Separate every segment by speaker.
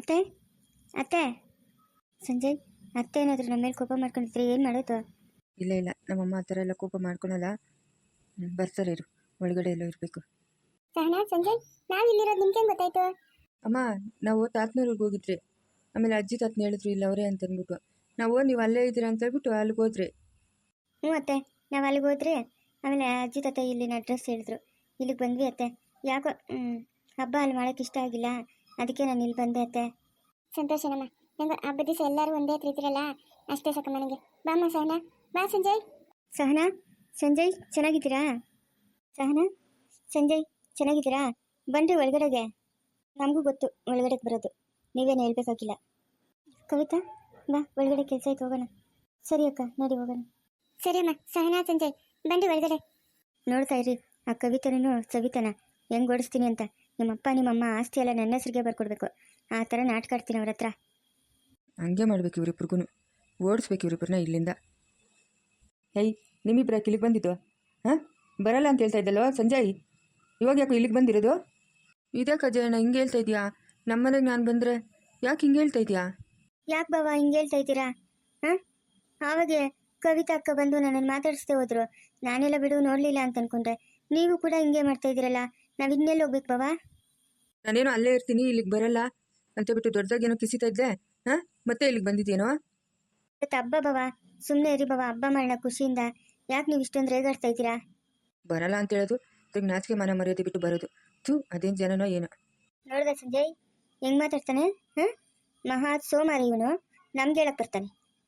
Speaker 1: ಅತ್ತೆ ಅತ್ತೆ ಸಂಜಯ್, ಅತ್ತೆ ಏನಾದರೂ ನಮ್ಮ ಮೇಲೆ ಕೋಪ ಮಾಡ್ಕೊಂಡಿದ್ರೆ ಏನು ಮಾಡೋದು?
Speaker 2: ಇಲ್ಲ ಇಲ್ಲ, ನಮ್ಮಮ್ಮ ಆ ಥರ ಎಲ್ಲ ಕೋಪ ಮಾಡ್ಕೊಳಲ್ಲ. ಬರ್ತಾರೆ ಇರು, ಒಳಗಡೆ ಎಲ್ಲ ಇರಬೇಕು.
Speaker 3: ಸಹನಾ, ಸಂಜಯ್, ನಾವು ಇಲ್ಲಿರೋದು ನಿಮ್ಗೆ ಗೊತ್ತಾಯ್ತು?
Speaker 2: ಅಮ್ಮ, ನಾವು ತಾತನೂರಿಗೆ ಹೋಗಿದ್ರಿ. ಆಮೇಲೆ ಅಜ್ಜಿ ತಾತನ ಹೇಳಿದ್ರು ಇಲ್ಲ ಅವರೇ ಅಂತ ಅಂದ್ಬಿಟ್ಟು ನೀವು ಅಲ್ಲೇ ಇದ್ದೀರಾ ಅಂತ ಹೇಳ್ಬಿಟ್ಟು ಅಲ್ಲಿಗೆ ಹೋದ್ರಿ.
Speaker 1: ಹ್ಞೂ ಅತ್ತೆ, ನಾವು ಅಲ್ಲಿಗೆ ಹೋದ್ರಿ. ಆಮೇಲೆ ಅಜ್ಜಿ ತಾತ ಇಲ್ಲಿನ ಅಡ್ರೆಸ್ ಹೇಳಿದ್ರು, ಇಲ್ಲಿಗೆ ಬಂದ್ವಿ ಅತ್ತೆ. ಯಾಕೋ ಹಬ್ಬ ಅಲ್ಲಿ ಮಾಡೋಕ್ಕೆ ಇಷ್ಟ ಆಗಿಲ್ಲ, ಅದಕ್ಕೆ ನಾನು ಇಲ್ಲಿ ಬಂದೆ ಅತ್ತೆ.
Speaker 3: ಸಂತೋಷನಮ್ಮ, ನಂಗೆ ಹಬ್ಬದ ದಿವಸ ಎಲ್ಲರೂ ಒಂದೇ ರೀತಿರಲ್ಲ, ಅಷ್ಟೇ ಸಾಕಮ್ಮ ನನಗೆ. ಬಾಮ್ಮ ಸಹನಾ, ಬಾ ಸಂಜಯ್.
Speaker 1: ಸಹನಾ, ಸಂಜಯ್ ಚೆನ್ನಾಗಿದ್ದೀರಾ? ಸಹನಾ, ಸಂಜಯ್ ಚೆನ್ನಾಗಿದ್ದೀರಾ? ಬನ್ರಿ ಒಳಗಡೆಗೆ. ನಮಗೂ ಗೊತ್ತು ಒಳಗಡೆಗೆ ಬರೋದು, ನೀವೇನು ಹೇಳ್ಬೇಕಾಗಿಲ್ಲ. ಕವಿತಾ, ಬಾ ಒಳಗಡೆ ಕೆಲಸ ಆಯ್ತು, ಹೋಗೋಣ. ಸರಿ ಅಕ್ಕ, ನೋಡಿ ಹೋಗೋಣ.
Speaker 3: ಸರಿ ಅಮ್ಮ. ಸಹನಾ, ಸಂಜಯ್ ಬನ್ರಿ ಒಳಗಡೆ.
Speaker 1: ನೋಡ್ತಾ ಇರಿ ಆ ಕವಿತನೂ ಸವಿತಾನ ಹೆಂಗೆ ಓಡಿಸ್ತೀನಿ ಅಂತ. ನಿಮ್ಮಪ್ಪ ನಿಮ್ಮಮ್ಮ ಆಸ್ತಿ ಎಲ್ಲ ನನ್ನ ಹೆಸರಿಗೆ ಬರ್ಕೊಡ್ಬೇಕು, ಆ ಥರ ನಾಟಕ ಆಡ್ತೀನಿ ಅವ್ರ ಹತ್ರ.
Speaker 2: ಹಂಗೆ ಮಾಡ್ಬೇಕು ಇವರಿಬ್ರಿಗೂ, ಓಡಿಸ್ಬೇಕು ಇವರಿಬ್ಬರನ್ನ ಇಲ್ಲಿಂದ. ಹೇಯ್, ನಿಮ್ಮಿಬ್ಬರ ಇಲ್ಲಿಗೆ ಬಂದಿದ್ದು? ಹಾಂ, ಬರಲ್ಲ ಅಂತ ಹೇಳ್ತಾ ಇದ್ದಲ್ವ ಸಂಜಯ್? ಇವಾಗ ಯಾಕೋ ಇಲ್ಲಿಗೆ ಬಂದಿರೋದು? ಇದೇ ಕಜಯಣ್ಣ ಹಿಂಗೆ ಹೇಳ್ತಾ ಇದೆಯಾ? ನಮ್ಮನೆಗೆ ನಾನು ಬಂದರೆ ಯಾಕೆ ಹಿಂಗೆ ಹೇಳ್ತಾ ಇದೆಯಾ?
Speaker 1: ಯಾಕೆ ಬಾವ ಹಿಂಗೆ ಹೇಳ್ತಾ ಇದ್ದೀರಾ? ಹಾಂ, ಆವಾಗೆ ಕವಿತಾ ಅಕ್ಕ ಬಂದು ನನ್ನನ್ನು ಮಾತಾಡಿಸ್ದೆ ಹೋದ್ರು. ನಾನೆಲ್ಲ ಬಿಡು ನೋಡಲಿಲ್ಲ ಅಂತ ಅನ್ಕೊಂಡ್ರೆ, ನೀವು ಕೂಡ ಹಿಂಗೆ ಮಾಡ್ತಾ ಇದ್ದೀರಲ್ಲ. ನಾವು ಇನ್ನೆಲ್ಲಿ ಹೋಗ್ಬೇಕು ಬಾವ?
Speaker 2: ನಾನೇನೋ ಅಲ್ಲೇ ಇರ್ತೀನಿ, ಇಲ್ಲಿಗೆ ಬರಲ್ಲ ಅಂತ ಬಿಟ್ಟು ದೊಡ್ಡದಾಗೇನೋ ಕಿಸಿತಾ ಇದ್ದೆ. ಹಾಂ, ಮತ್ತೆ ಇಲ್ಲಿಗೆ ಬಂದಿದ್ದೇನೋ?
Speaker 1: ಇವತ್ತು ಹಬ್ಬ ಬಾವ, ಸುಮ್ಮನೆ ಇರಿ ಬಾವ, ಹಬ್ಬ ಮಾಡೋಣ ಖುಷಿಯಿಂದ. ಯಾಕೆ ನೀವು ಇಷ್ಟೊಂದು ರೇಗಾಡ್ತಾ ಇದ್ದೀರಾ?
Speaker 2: ಬರಲ್ಲ ಅಂತ ಹೇಳೋದು, ತಿರ್ಗಿ ನಾಚಿಕೆ ಮನ ಮರ್ಯಾದೆ ಬಿಟ್ಟು ಬರೋದು. ಅದೇನು ಜನನೋ ಏನೋ.
Speaker 1: ನೋಡ್ದ ಸಂಜಯ್ ಹೆಂಗೆ ಮಾತಾಡ್ತಾನೆ? ಹಾಂ, ಮಹಾ ಸೋಮಾರಿ ಇವನು, ನಮ್ಗೆ ಹೇಳಕ್ಕೆ ಬರ್ತಾನೆ.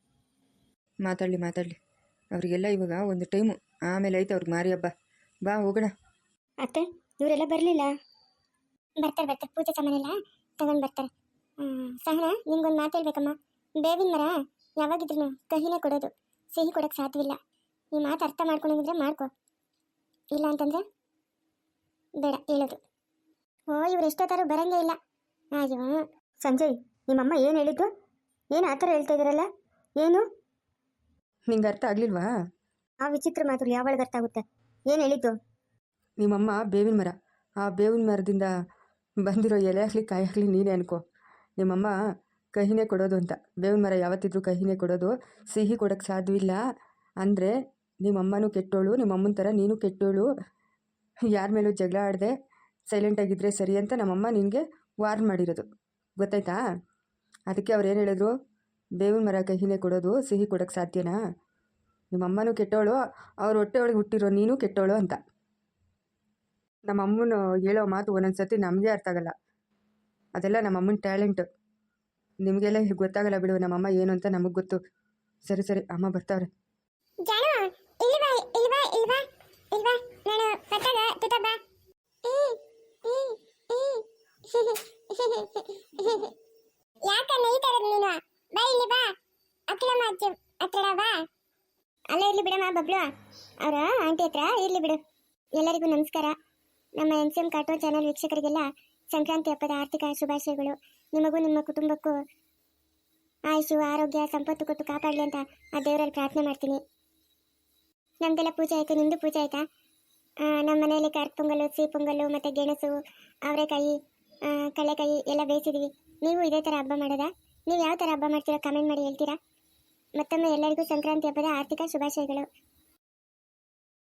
Speaker 2: ಮಾತಾಡಲಿ ಅವರಿಗೆಲ್ಲ ಇವಾಗ ಒಂದು ಟೈಮು, ಆಮೇಲೆ ಐತೆ ಅವ್ರಿಗೆ ಮಾರಿ ಹಬ್ಬ. ಬಾ ಹೋಗೋಣ.
Speaker 1: ಅತ್ತೆ, ಇವರೆಲ್ಲ ಬರಲಿಲ್ಲ?
Speaker 3: ಬರ್ತಾರೆ ಪೂಜೆ ಸಾಮಾನೆಲ್ಲ ತಗೊಂಡು ಬರ್ತಾರೆ. ಸಹನಾ, ನಿಮ್ಗೊಂದು ಮಾತು ಹೇಳ್ಬೇಕಮ್ಮ. ಬೇವಿನ ಮರ ಯಾವಾಗಿದ್ರು ಕಹಿನೇ ಕೊಡೋದು, ಸಿಹಿ ಕೊಡೋಕ್ಕೆ ಸಾಧ್ಯವಿಲ್ಲ. ಈ ಮಾತು ಅರ್ಥ ಮಾಡ್ಕೊಂಡಿದ್ರೆ ಮಾಡ್ಕೊ, ಇಲ್ಲ ಅಂತಂದ್ರೆ ಬೇಡ ಹೇಳೋದು. ಓ, ಇವ್ರು ಎಷ್ಟೊತ್ತಾರು ಬರಂಗೇ ಇಲ್ಲ. ಅಯ್ಯೋ
Speaker 1: ಸಂಜಯ್, ನಿಮ್ಮಮ್ಮ ಏನು ಹೇಳಿದ್ದು? ಏನು ಆ ಥರ ಹೇಳ್ತಾ ಇದ್ದೀರಲ್ಲ? ಏನು
Speaker 2: ನಿಂಗೆ ಅರ್ಥ ಆಗಲಿಲ್ವಾ?
Speaker 1: ಆ ವಿಚಿತ್ರ ಮಾತುಗಳು ಯಾವಾಗ ಅರ್ಥ ಆಗುತ್ತೆ? ಏನು ಹೇಳಿದ್ದು?
Speaker 2: ನಿಮ್ಮಮ್ಮ ಬೇವಿನ ಮರ, ಆ ಬೇವಿನ ಮರದಿಂದ ಬಂದಿರೋ ಎಲೆ ಆಗಲಿ ಕಾಯಿ ಆಗಲಿ ನೀನೇ ಅನ್ಕೋ. ನಿಮ್ಮಮ್ಮ ಕಹಿನೇ ಕೊಡೋದು ಅಂತ. ಬೇವಿನ ಮರ ಯಾವತ್ತಿದ್ರೂ ಕಹಿನೇ ಕೊಡೋದು, ಸಿಹಿ ಕೊಡೋಕ್ಕೆ ಸಾಧ್ಯವಿಲ್ಲ. ಅಂದರೆ ನಿಮ್ಮಮ್ಮನೂ ಕೆಟ್ಟೋಳು, ನಿಮ್ಮಮ್ಮನ ಥರ ನೀನು ಕೆಟ್ಟೋಳು. ಯಾರ ಮೇಲೂ ಜಗಳ ಆಡದೆ ಸೈಲೆಂಟಾಗಿದ್ದರೆ ಸರಿ ಅಂತ ನಮ್ಮಮ್ಮ ನಿನಗೆ ವಾರ್ನ್ ಮಾಡಿರೋದು, ಗೊತ್ತಾಯ್ತಾ? ಅದಕ್ಕೆ ಅವ್ರು ಏನು ಹೇಳಿದ್ರು, ಬೇವಿನ ಮರ ಕಹಿನೇ ಕೊಡೋದು, ಸಿಹಿ ಕೊಡೋಕ್ಕೆ ಸಾಧ್ಯನಾ? ನಿಮ್ಮಮ್ಮನೂ ಕೆಟ್ಟೋಳು, ಅವ್ರ ಹೊಟ್ಟೆ ಒಳಗೆ ಹುಟ್ಟಿರೋ ನೀನು ಕೆಟ್ಟೋಳು ಅಂತ. ನಮ್ಮಮ್ಮನ ಹೇಳೋ ಮಾತು ಒಂದೊಂದು ಸರ್ತಿ ನಮಗೆ ಅರ್ಥ ಆಗಲ್ಲ, ಅದೆಲ್ಲ ನಮ್ಮಮ್ಮನ ಟ್ಯಾಲೆಂಟು. ನಿಮಗೆಲ್ಲ ಗೊತ್ತಾಗಲ್ಲ ಬಿಡು, ನಮ್ಮಮ್ಮ ಏನು ಅಂತ ನಮಗೆ ಗೊತ್ತು. ಸರಿ ಅಮ್ಮ ಬರ್ತಾವ್ರೆ.
Speaker 3: ಯಾಕನ್ನ ಈ ತರದ್ ನೀನು? ಬಾ ಇಲ್ಲಿ ಬಾ, ಅಕ್ಕಲಮ್ಮ ಅಜ್ಜಿ ಹತ್ರ ಬಾ. ಅಲ್ಲ ಇರ್ಲಿ ಬಿಡಮ್ಮ ಬಬ್ಲು, ಅವರ ಆಂಟಿ ಹತ್ರ ಇರ್ಲಿ ಬಿಡು. ಎಲ್ಲರಿಗೂ ನಮಸ್ಕಾರ. ನಮ್ಮ NCM ಕಾರ್ಟೂನ್ ಚಾನಲ್ ವೀಕ್ಷಕರಿಗೆಲ್ಲ ಸಂಕ್ರಾಂತಿ ಹಬ್ಬದ ಆರ್ಥಿಕ ಶುಭಾಶಯಗಳು. ನಿಮಗೂ ನಿಮ್ಮ ಕುಟುಂಬಕ್ಕೂ ಆಯುಷು ಆರೋಗ್ಯ ಸಂಪತ್ತು ಕೊಟ್ಟು ಕಾಪಾಡಲಿ ಅಂತ ಆ ದೇವರಲ್ಲಿ ಪ್ರಾರ್ಥನೆ ಮಾಡ್ತೀನಿ. ನಮ್ದೆಲ್ಲ ಪೂಜೆ ಆಯಿತು, ನಿಮ್ಮದು ಪೂಜೆ ಆಯಿತಾ? ನಮ್ಮ ಮನೆಯಲ್ಲಿ ಕಾರ್ಕ್ ಪೊಂಗಲ್ಲು, ಸಿಹಿ ಪೊಂಗಲ್ಲು ಮತ್ತು ಗೆಣಸು, ಅವರೆಕಾಯಿ, ಕಡಲೆಕಾಯಿ ಎಲ್ಲ ಬೇಯಿಸಿದ್ದೀವಿ. ನೀವು ಇದೇ ಥರ ಹಬ್ಬ ಮಾಡೋದಾ? ನೀವು ಯಾವ ಥರ ಹಬ್ಬ ಮಾಡ್ತೀರಾ ಕಮೆಂಟ್ ಮಾಡಿ ಹೇಳ್ತೀರಾ? ಮತ್ತೊಮ್ಮೆ ಎಲ್ಲರಿಗೂ ಸಂಕ್ರಾಂತಿ ಹಬ್ಬದ ಆರ್ಥಿಕ ಶುಭಾಶಯಗಳು.